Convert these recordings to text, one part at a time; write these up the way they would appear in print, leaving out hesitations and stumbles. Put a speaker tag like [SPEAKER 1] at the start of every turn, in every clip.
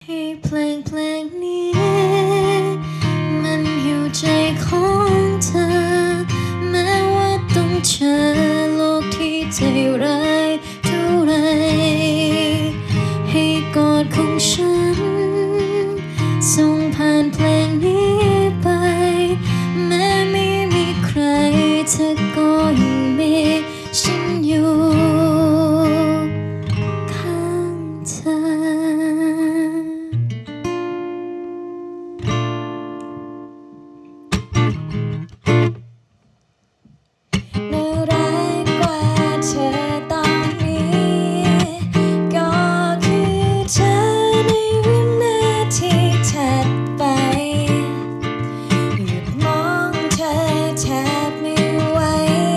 [SPEAKER 1] ให้เพลงนี้มันอยู่ใจของเธอแม้ว่าต้องเจอโลกที่ใจร้ายเท่าไรให้กอดของฉันส่งผ่านเพลงนี้ไปแม้ไม่มีใครเธอก็ยังมีฉันอยู่ข้างเธอน่ารักกว่าเธอตอนนี้ก็คือเธอในวินาทีถัดไปหยุดมองเธอแทบไม่ไหว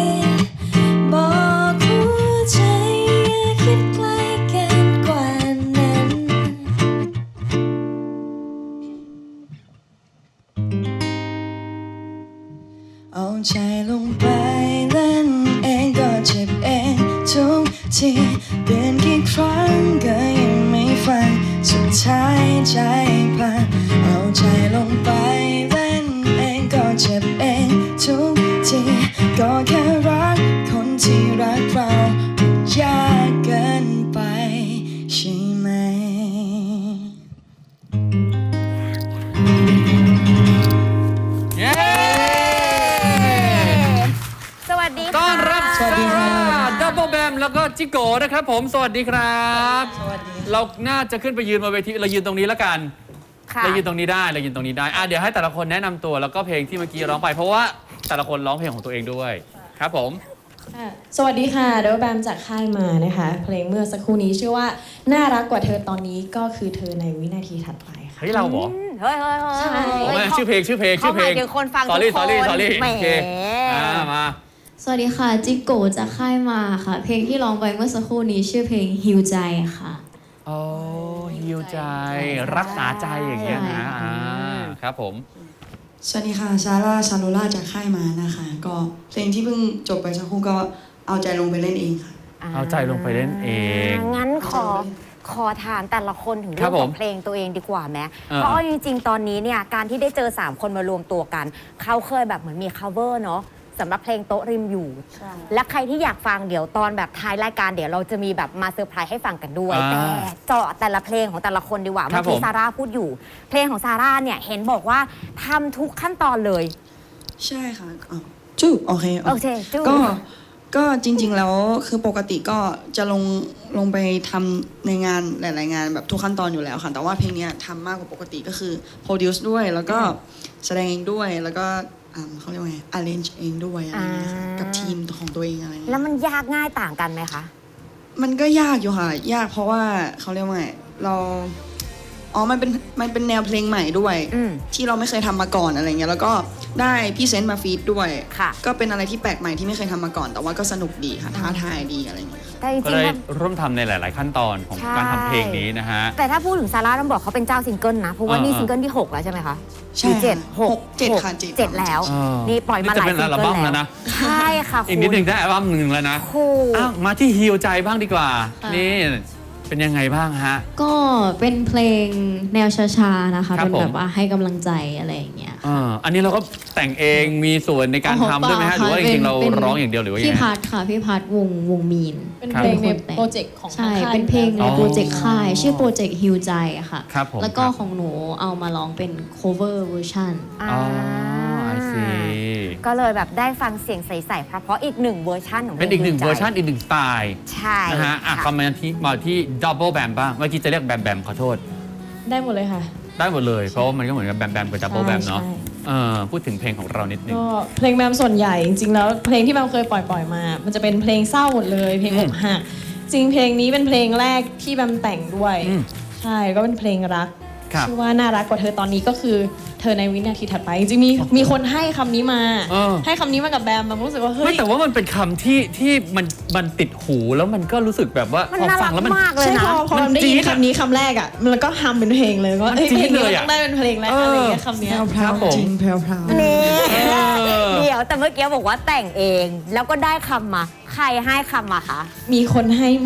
[SPEAKER 1] บอกหัวใจอย่าคิดไกลเกินกว่านั้นเอาใจลงไปเล่นเองก็เจ็บเองทุกทีเปลี่ยนกี่ครั้งก็ยังไม่ฟังสุดท้ายใจพังเอาใจลงไปเล่นเองก็เจ็บเองทุกทีก็แค่รักคนที่รักเรายากเกินไปใช่ไหม
[SPEAKER 2] เย้
[SPEAKER 3] สวัสดีค่ะ
[SPEAKER 2] ต้อนรับ
[SPEAKER 1] สวัสดีค่ะ
[SPEAKER 2] ดับเบิลแบมแล้วก็จิโก้นะครับผมสวัสดีครับ
[SPEAKER 1] สวัสดี
[SPEAKER 2] เราน่าจะขึ้นไปยืนบนเวทีเรายืนตรงนี้แล้วกัน
[SPEAKER 3] ค่ะ
[SPEAKER 2] เรายืนตรงนี้ได้เดี๋ยวให้แต่ละคนแนะนำตัวแล้วก็เพลงที่เมื่อกี้ร้องไปเพราะว่าแต่ละคนร้องเพลงของตัวเองด้วยครับผม
[SPEAKER 4] สวัสดีค่ะเดวแบมจากค่ายมานะคะ เพลงเมื่อสักครู่นี้ชื่อว่าน่ารักกว่าเธอตอนนี้ก็คือเธอในวินาทีถัดไปค่ะ
[SPEAKER 2] เฮ้ยเราเหรอ
[SPEAKER 3] เฮ้ย
[SPEAKER 4] ใช่
[SPEAKER 2] โอ้ยชื่อเพลง
[SPEAKER 3] เขาหมายถึงคนฟังทุกคน
[SPEAKER 2] sorry
[SPEAKER 3] แหม
[SPEAKER 2] โอเคมา
[SPEAKER 1] สวัสดีค่ะจิโกะจากค่ายมาค่ะ เพลงที่ร้องไปเมื่อสักครู่นี้ชื่อเพลงฮิวใจค่ะ
[SPEAKER 2] โอ้ฮิวใจรักษาใจอย่างเงี้ยนะ
[SPEAKER 1] ใช่ค่ะ
[SPEAKER 2] ครับผม
[SPEAKER 5] สวัสดีค่ะซาร่าชาโลล่าจากค่ายมานะคะ ก็เพลงที่เพิ่งจบไปสักครู่ก็เอาใจลงไปเล่นเองค่ะ
[SPEAKER 2] เอาใจลงไปเล่นเอง
[SPEAKER 3] งั้นขอถามแต่ละคนถึง
[SPEAKER 2] ครั
[SPEAKER 3] เรื่อบ ง
[SPEAKER 2] ผ
[SPEAKER 3] ข
[SPEAKER 2] ม
[SPEAKER 3] องเพลงตัวเองดีกว่าไหม
[SPEAKER 2] เออ
[SPEAKER 3] เพราะเอาจริงๆ ตอนนี้เนี่ยการที่ได้เจอ 3 คนมารวมตัวกัน เขาเคยแบบเหมือนมี cover เนาะสำหรับเพลงโต๊ะริมอยู่ และใครที่อยากฟังเดี๋ยวตอนแบบท้ายรายการเดี๋ยวเราจะมีแบบมาเซอร์ไพรส์ให้ฟังกันด้วย แต่เจาะแต่ละเพลงของแต่ละคนดีกว่า
[SPEAKER 2] ครั
[SPEAKER 3] เมื่
[SPEAKER 2] บ
[SPEAKER 3] อกี้
[SPEAKER 2] ผม
[SPEAKER 3] ซาร่าพูดอยู่ เพลงของซาร่าเนี่ยเห็นบอกว่าทำทุกขั้นตอนเลย
[SPEAKER 5] ใช่ค่ะอ้าวจู้โอเค
[SPEAKER 3] โอเคจู้
[SPEAKER 5] ก็จริงๆแล้วคือปกติก็จะลงไปทำในงานหลายๆงานแบบทุกขั้นตอนอยู่แล้วค่ะ แต่ว่าเพลงเนี้ยทำมากกว่าปกติก็คือโปรดิวซ์ด้วยแล้วก็แสดงเองด้วยแล้วก็เขาเรียกว่าไง arrange เองด้วยอะไรเงี้ยค่ะกับทีมของตัวเองอะไรเงี้ย
[SPEAKER 3] แล้วมันยากง่ายต่างกันไหมคะ
[SPEAKER 5] มันก็ยากอยู่ค่ะ ยากเพราะว่าเขาเรียกว่าไงมันเป็นแนวเพลงใหม่ด้วย
[SPEAKER 3] อืม
[SPEAKER 5] ที่เราไม่เคยทำมาก่อนอะไรเงี้ยแล้วก็ได้พี่เซนต์มาฟีดด้วย
[SPEAKER 3] ค่ะ
[SPEAKER 5] ก็เป็นอะไรที่แปลกใหม่ที่ไม่เคยทำมาก่อน แต่ว่าก็สนุกดีค่ะท้าทายดีอะไรเงี้ยค่ะ
[SPEAKER 3] แต่จ
[SPEAKER 2] ก็
[SPEAKER 3] ริง
[SPEAKER 2] ได้
[SPEAKER 3] ๆถ้า
[SPEAKER 2] ร่วมทำในหลาย ๆ ขั้นตอนของ
[SPEAKER 3] ใช่
[SPEAKER 2] การทำเพลงนี้นะฮะ
[SPEAKER 3] แต่ถ้าพูดถึงซาร่าต้องบอกเขาเป็นเจ้าซิงเกิลนะ เพราะว่านี่
[SPEAKER 2] อ่า
[SPEAKER 3] ซิงเกิลที่ 6 แล้วใช่ไหมคะ
[SPEAKER 5] ใช่
[SPEAKER 3] หรือเจ็ด
[SPEAKER 5] ค่ะ
[SPEAKER 3] หก
[SPEAKER 5] เจ็ดค่ะเจ็ด
[SPEAKER 3] แล้ว
[SPEAKER 2] เออ
[SPEAKER 3] นี่ปล่อยมาหลาย
[SPEAKER 2] นี่จะเป็น
[SPEAKER 3] ซิง
[SPEAKER 2] อัล
[SPEAKER 3] เกิ
[SPEAKER 2] บั้
[SPEAKER 3] ล
[SPEAKER 2] มแล้ว
[SPEAKER 3] แล้ว
[SPEAKER 2] นะ
[SPEAKER 3] ใช่ค่ะ
[SPEAKER 2] อีกนิดหนึ่งได้อัลบั้มหนึ่งแล้วนะ
[SPEAKER 3] คุณ
[SPEAKER 2] อ้าวมาที่ฮิวใจบ้างดีกว่า นี่เป็นยังไงบ้างฮะ
[SPEAKER 1] ก็เป็นเพลงแนวช้าๆนะคะ
[SPEAKER 2] ครับ
[SPEAKER 1] เป็นแบ
[SPEAKER 2] ผม
[SPEAKER 1] บว่าให้กำลังใจอะไรอย่างเงี้ย
[SPEAKER 2] อันนี้เราก็แต่งเองมีส่วนในการทำด้วยไหมฮะหรือว่าจริงๆเราร้องอย่างเดียวหรือว่ายัง
[SPEAKER 1] พี่
[SPEAKER 2] ไง
[SPEAKER 1] พัดค่ะพี่พัดวงมีน
[SPEAKER 4] เป็น
[SPEAKER 2] ครับ
[SPEAKER 4] เพลงใน
[SPEAKER 1] เป็นคนแต่ง
[SPEAKER 4] โปรเจกต์ของ
[SPEAKER 1] ใช่
[SPEAKER 4] ทางค่าย
[SPEAKER 1] เป็นเพลงใน
[SPEAKER 2] อ๋อ
[SPEAKER 1] โปรเจกต์ค่าย ชื่อโปรเจกต์ฮิวใจอะค่ะ
[SPEAKER 2] ครับผม
[SPEAKER 1] แล้วก็
[SPEAKER 2] ครับ
[SPEAKER 1] ของหนูเอามาร้องเป็น cover version
[SPEAKER 2] อ๋อไอซี
[SPEAKER 3] ก็เลยแบบได้ฟังเสียงใสๆเพราะๆอีกหนึ่งเวอร์ชันของ
[SPEAKER 2] เป็นอีกหนึ่ง
[SPEAKER 3] พล
[SPEAKER 2] เวอร์ชันอีกหนึ่งสไตล์
[SPEAKER 3] ใช่
[SPEAKER 2] นะฮะ
[SPEAKER 3] ค่ะ
[SPEAKER 2] คำมาที่ดับเบิลแบมบ้างเมื่อกี้จะเรียกแบมแบมขอโทษ
[SPEAKER 4] ได้หมดเลยค่ะ
[SPEAKER 2] ได้หมดเลย เพราะว่ามันก็เหมือนกับแบมแบมกับดับเบิลแบมเนาะ
[SPEAKER 4] ใช่
[SPEAKER 2] พูดถึงเพลงของเรานิดนึง
[SPEAKER 4] ก็เพลงแบมส่วนใหญ่จริงๆแล้วเพลงที่แบมเคยปล่อยมา มันจะเป็นเพลงเศร้าหมดเลยเพลงอกหักจริงเพลงนี้เป็นเพลงแรกที่แบมแต่งด้วย
[SPEAKER 2] อืม
[SPEAKER 4] ใช่ก็เป็นเพลงรัก
[SPEAKER 2] ครับ
[SPEAKER 4] ชื่อว่าน่ารักกว่าเธอตอนนี้ก็คือเธอในวินาทีถัดไปจริงๆมีคนให้คำนี้มา
[SPEAKER 2] เออ
[SPEAKER 4] ให้คำนี้มากับแบมรู้สึกว่าเฮ้
[SPEAKER 2] ไม่
[SPEAKER 4] ย
[SPEAKER 2] แต่ว่ามันเป็นคำที่มันติดหูแล้วมันก็รู้สึกแบบว่า
[SPEAKER 3] มัน
[SPEAKER 2] พอ
[SPEAKER 3] น่า
[SPEAKER 2] ฟั
[SPEAKER 3] รั
[SPEAKER 2] ง
[SPEAKER 3] ก
[SPEAKER 2] แล้วมัน
[SPEAKER 3] มากเลย
[SPEAKER 4] ใช่
[SPEAKER 3] นะ
[SPEAKER 4] พอมันได้ยินคำนี้คำแรกอ่ะมันก็ฮัมเป็นเพลงเลยว่า
[SPEAKER 2] มัน
[SPEAKER 4] เอ้ย
[SPEAKER 2] จี๊
[SPEAKER 4] เพล
[SPEAKER 2] ด
[SPEAKER 4] งนี้
[SPEAKER 2] เลย
[SPEAKER 4] มัน
[SPEAKER 2] อะ
[SPEAKER 4] ต้องได้เป็นเพลงแรกอะไรอย่างเงี้ยคำเนี้ย
[SPEAKER 5] แพรว
[SPEAKER 2] ผม
[SPEAKER 5] ๆจริงแพรวๆ
[SPEAKER 3] นี่
[SPEAKER 2] อ
[SPEAKER 3] เดี๋ยวแต่เมื่อกี้บอกว่าแต่งเองแล้วก็ได้คำมาใครให้คำมาคะ
[SPEAKER 4] มีคนให้มา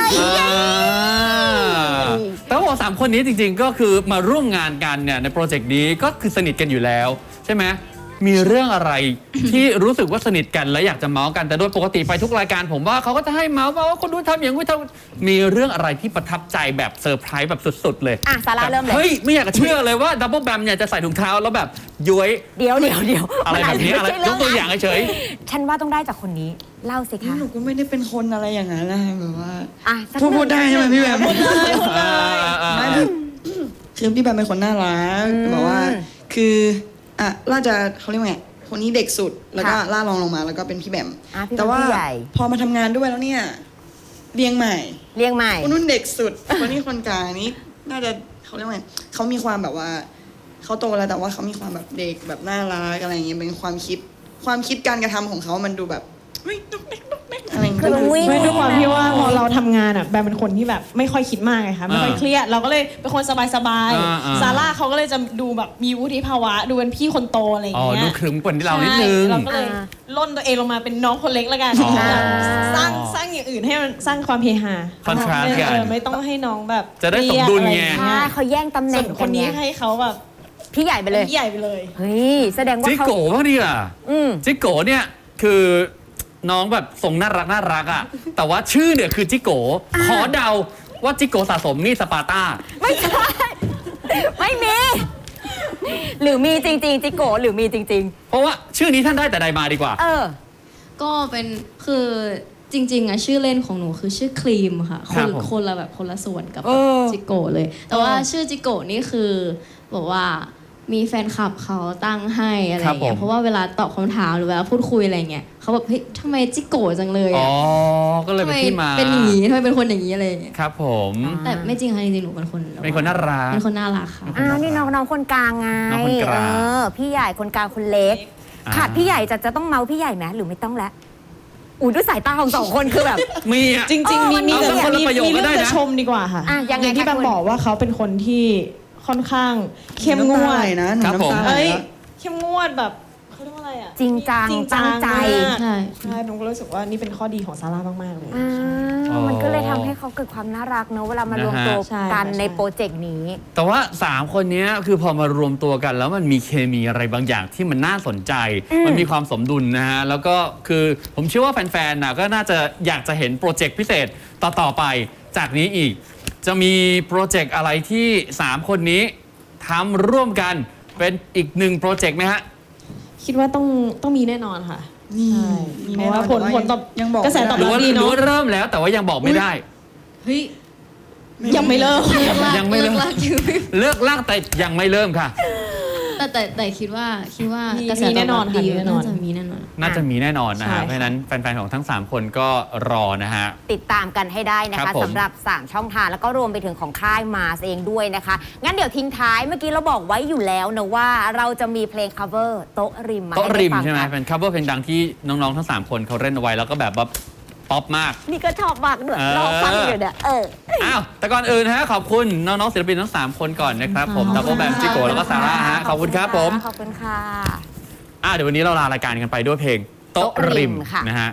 [SPEAKER 2] แต่ว่า3คนนี้จริงๆก็คือมาร่วมงานกันเนี่ยในโปรเจกต์นี้ก็คือสนิทกันอยู่แล้วใช่ไหมมีเรื่องอะไร ที่รู้สึกว่าสนิทกันและอยากจะเมาส์กันแต่โดยปกติไปทุกรายการผมว่าเขาก็จะให้เมาส์ว่าคนนู้นทำอย่างนี้ทำมีเรื่องอะไรที่ประทับใจแบบเซอร์ไพรส์แบบสุดๆเลย
[SPEAKER 3] อ่ะซาร่าเริ่มเลย
[SPEAKER 2] เฮ้ยไม่อยากจะเชื่อเลยว่าดับเบิลแบมเนี่ยจะใส่ถุงเท้าแล้วแบบย้วย
[SPEAKER 3] เดี๋ยว
[SPEAKER 2] อะไรแบบนี้อะไรยกตัวอย่างเฉย
[SPEAKER 3] ฉันว่าต้องได้จากคนนี้เล่าสิคะ
[SPEAKER 5] หนูก็ไม่ได้เป็นคนอะไรอย่างนั้นนะแบบว่า
[SPEAKER 3] อ่ะสัก
[SPEAKER 5] พูดได้ใช่ไหมพี่แบม
[SPEAKER 2] ๆ
[SPEAKER 5] ไม่คือพี่แบมเป็นคนน่ารักแบบว่าคืออ่ะล่าจะเขาเรียกว่าไงคนนี้เด็กสุดแล้วก็ล่ารองลงมาแล้วก็เป็นพี่แบม
[SPEAKER 3] อ่ะพี่
[SPEAKER 5] แต่ว่า
[SPEAKER 3] พี่ใหญ่
[SPEAKER 5] พอมาทำงานด้วยแล้วเนี่ยเรียงใหม่
[SPEAKER 3] เรียงใหม่
[SPEAKER 5] คนนู้นเด็กสุด คนนี้คนกลางนี้น่าจะเขาเรียกว่าไงเขามีความแบบว่าเขาโตแล้วแต่ว่าเขามีความแบบเด็กแบบน่ารักอะไรอย่างเงี้ยเป็นความคิดการกระทำของเขามันดูแบบเฮ้ยดุ๊กดิ๊กอะไรอย่างเงี้ย
[SPEAKER 3] คือมันวิ่ง
[SPEAKER 4] ไม่ด้วยความที่ว่าพอเราทำงานอ่ะแบมเป็นคนที่แบบไม่ค่อยคิดมากไงคะไม่ค่อยเครียดเราก็เลยเป็นคนสบายๆซาร่าเขาก็เลยจะดูแบบมีวุฒิภาวะดูเป็นพี่คนโตอะไรอย่าง
[SPEAKER 2] อ๋อ
[SPEAKER 4] เงี้ย
[SPEAKER 2] ดูขรึมกว่าที่เรานิดนึง
[SPEAKER 4] ใช่เราก็เลยล่นตัวเองลงมาเป็นน้องคนเล็กแล้วกัน
[SPEAKER 2] อ๋อ
[SPEAKER 4] สร้างอย่างอื่นให้มันสร้างความเฮฮา
[SPEAKER 2] contrast กัน
[SPEAKER 4] ไม่ต้องให้น้องแบบ
[SPEAKER 2] จะได้สมดุลไง
[SPEAKER 3] ใช่เขาแย่งตำแห
[SPEAKER 4] ส่
[SPEAKER 3] น่
[SPEAKER 4] ว
[SPEAKER 3] ง
[SPEAKER 4] นค
[SPEAKER 3] กัน
[SPEAKER 4] น
[SPEAKER 3] ไง
[SPEAKER 4] นี้ให้เขาแบบ
[SPEAKER 3] พี่ใหญ่ไปเลย
[SPEAKER 4] พี่ใหญ่ไปเลย
[SPEAKER 3] เฮ้ยแสดงว่า
[SPEAKER 2] จิ
[SPEAKER 3] เขา
[SPEAKER 2] โก้บ้างดีอ่ะ
[SPEAKER 3] อืม
[SPEAKER 2] จิโก้เนี่ยคือน้องแบบทรงน่ารักอ่ะ แต่ว่าชื่อเนี่ยคือจิโก้ขอเดาว่าจิโก้สะสมนี่สปาร์ต้า
[SPEAKER 3] ไม่ใช่ ไม่มี หรือมีจริงๆจิโกะหรือมีจริง
[SPEAKER 2] เพราะว่าชื่อนี้ท่านได้แต่ใดมาดีกว่า
[SPEAKER 3] ๆ เออ
[SPEAKER 6] ก็เป็นคือจริงๆอะชื่อเล่นของหนูคือชื่อครีมค่ะ
[SPEAKER 2] ครับผม
[SPEAKER 6] คนละแบบคนละส่วนกับ
[SPEAKER 3] เออ
[SPEAKER 6] จิโกะเลย แต่ว่าชื่อจิโกะนี่คือบอกว่ามีแฟนคลับเขาตั้งให้อะไรอย่างเงี้ยเพราะว่าเวลาตอบคำถามหรือเวลาพูดคุยอะไรเงี้ยเขาแบบเฮ้ยทำไมจิโกะจังเลย
[SPEAKER 2] อ๋
[SPEAKER 6] อะ
[SPEAKER 2] อ ก็เลย
[SPEAKER 6] ทำ
[SPEAKER 2] เป็น
[SPEAKER 6] ไม
[SPEAKER 2] ที่มา
[SPEAKER 6] เป็นอย่างนี้ทำไมเป็นคนอย่างนี้อะไรอย่างเงี้ย
[SPEAKER 2] ครับผม
[SPEAKER 6] แต่ไม่จริงค่ะจริงๆหนูเป็นคน
[SPEAKER 2] เป็นคนน่ารัก
[SPEAKER 6] เป็นคนน่ารักค่ะ
[SPEAKER 3] อ้าวนี่น้องคนกลางไง
[SPEAKER 2] น้องคนกลาง
[SPEAKER 3] พี่ใหญ่คนกลางคนเล็ก ขาดพี่ใหญ่จะต้องเมาพี่ใหญ่ไหมหรือไม่ต้องแล้วอุ้ยด้วยสายตาของสองคนคือแบบ
[SPEAKER 2] มีอ่ะ
[SPEAKER 4] จริงๆมี
[SPEAKER 2] เอาสักคนละประโยคก็ได้นะ
[SPEAKER 4] เรื่องจะชมดีกว่าค่ะ
[SPEAKER 3] อ่ะยังไง
[SPEAKER 4] อย่างที่
[SPEAKER 3] คะ
[SPEAKER 4] แบม
[SPEAKER 3] คุณ
[SPEAKER 4] บอกว่าเขาเป็นคนที่ค่อนข้างเข้มงว
[SPEAKER 5] น้ำตาไห
[SPEAKER 4] ด
[SPEAKER 5] ลนะหนู
[SPEAKER 2] ครับผม
[SPEAKER 5] น้ำตาไหล
[SPEAKER 4] เอ้ย
[SPEAKER 5] นะ
[SPEAKER 4] เข้มงวดแบบเขาเรียกว่าอะไรอ่ะ
[SPEAKER 3] จริงจัง
[SPEAKER 4] จริงจั
[SPEAKER 3] ตั้
[SPEAKER 4] ง
[SPEAKER 3] งใจ
[SPEAKER 4] มาก
[SPEAKER 6] ใช่
[SPEAKER 4] ใช่ผมก็รู้สึกว่านี่เป็นข้อดีของซาร่ามากๆเลย
[SPEAKER 3] อ่า
[SPEAKER 2] อ๋อ
[SPEAKER 3] มันก็เลยทำให้เขาเกิดความน่ารักเนอะเวลามารวมตัว
[SPEAKER 4] ใช่
[SPEAKER 3] กัน
[SPEAKER 4] ใช่
[SPEAKER 3] ในโปรเจกต์นี้
[SPEAKER 2] แต่ว่า 3 คนเนี้ยคือพอมารวมตัวกันแล้วมันมีเคมีอะไรบางอย่างที่มันน่าสนใจ มันมีความสมดุลนะฮะ แล้วก็คือผมเชื่อว่าแฟนๆนะก็น่าจะอยากจะเห็นโปรเจกต์พิเศษต่อๆไปจากนี้อีก จะมีโปรเจกต์อะไรที่ 3 คนนี้ทำร่วมกันเป็นอีก1โปรเจกต์ไหมฮะ
[SPEAKER 4] คิดว่าต้องมีแน่นอนค่ะ
[SPEAKER 5] นี่
[SPEAKER 4] ใช่
[SPEAKER 5] มี
[SPEAKER 4] เพ
[SPEAKER 5] แน่
[SPEAKER 4] ราะ
[SPEAKER 5] นอ
[SPEAKER 4] ว่าน ผลตอบ
[SPEAKER 5] ยังบอก
[SPEAKER 4] กระแสตอบ
[SPEAKER 2] หรือ
[SPEAKER 4] รับ
[SPEAKER 2] ว่า
[SPEAKER 4] ดี
[SPEAKER 2] หรือ
[SPEAKER 4] เนาะ
[SPEAKER 2] ว่าเริ่มแล้วแต่ว่ายังบอกไม่ได้
[SPEAKER 6] เฮ้ย
[SPEAKER 4] ยังไม่เลิก
[SPEAKER 2] ยังไม่เริ่ม
[SPEAKER 6] เลิกลากอยู่
[SPEAKER 2] เลิกลากแต่ยังไม่เริ่มค่ะ
[SPEAKER 6] แต่คิดว่า
[SPEAKER 4] มี
[SPEAKER 6] กระแส
[SPEAKER 4] มีแน่นอน
[SPEAKER 6] ตบรับดี
[SPEAKER 4] ค่ะมีแน่นอน
[SPEAKER 6] น่าจะมีแน่นอน
[SPEAKER 2] น่าจะมีแน่นอนนะ
[SPEAKER 4] ใช่
[SPEAKER 2] ฮะ
[SPEAKER 4] ค่ะ
[SPEAKER 2] เพราะฉะนั้นแฟนๆของทั้ง 3 คนก็รอนะฮะ
[SPEAKER 3] ติดตามกันให้ได้นะ
[SPEAKER 2] ครั
[SPEAKER 3] คะ
[SPEAKER 2] บผม
[SPEAKER 3] สำหรับ 3 ช่องทางแล้วก็รวมไปถึงของค่ายมาเองด้วยนะคะ งั้นเดี๋ยวทิ้งท้ายเมื่อกี้เราบอกไว้อยู่แล้วนะว่าเราจะมีเพลง cover โต๊ะริมมา
[SPEAKER 2] โต๊ะ
[SPEAKER 3] ให้
[SPEAKER 2] ริ
[SPEAKER 3] ได้
[SPEAKER 2] ม
[SPEAKER 3] ฟัง
[SPEAKER 2] ใช่ไหม
[SPEAKER 3] กัน
[SPEAKER 2] เป็น cover เพลงดังที่น้องๆทั้ง 3 คนเขาเล่นเอาไว้แล้วก็แบบว่าป๊อปมาก
[SPEAKER 3] นี่ก็ชอบมากด้วย
[SPEAKER 2] เออ
[SPEAKER 3] รอฟังอยู่เนี่ย
[SPEAKER 2] อ้าวแต่ก่อนอื่นนะฮะขอบคุณน้องๆศิลปินทั้ง 3 คนก่อนนะครับผมดับเบิลแบมจิโกแล้วก็ซาร่าฮะขอบคุณครับผม
[SPEAKER 3] ขอบคุณค่ะ
[SPEAKER 2] เดี๋ยววันนี้เราลารายการกันไปด้วยเพลงโต๊ะริม
[SPEAKER 3] โต๊ะริมค่ะ
[SPEAKER 2] นะฮะ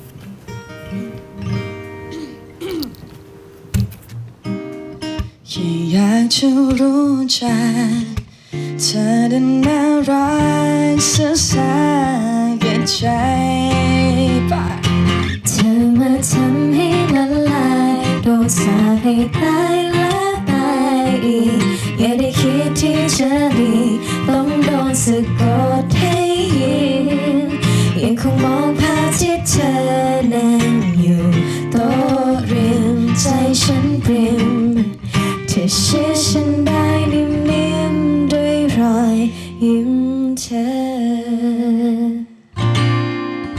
[SPEAKER 1] แค่อยากจะรู้จักเธอได้น่ารักสักสักใจปะ
[SPEAKER 7] เธอมาทำให้ละลายโดนสาปให้ตายและตายอีกอย่าได้คิดที่จะดีต้องโดนสะกดให้ยินยังคงมองภาพที่เธอนั่งอยู่โต๊ะริมใจฉันเปลี่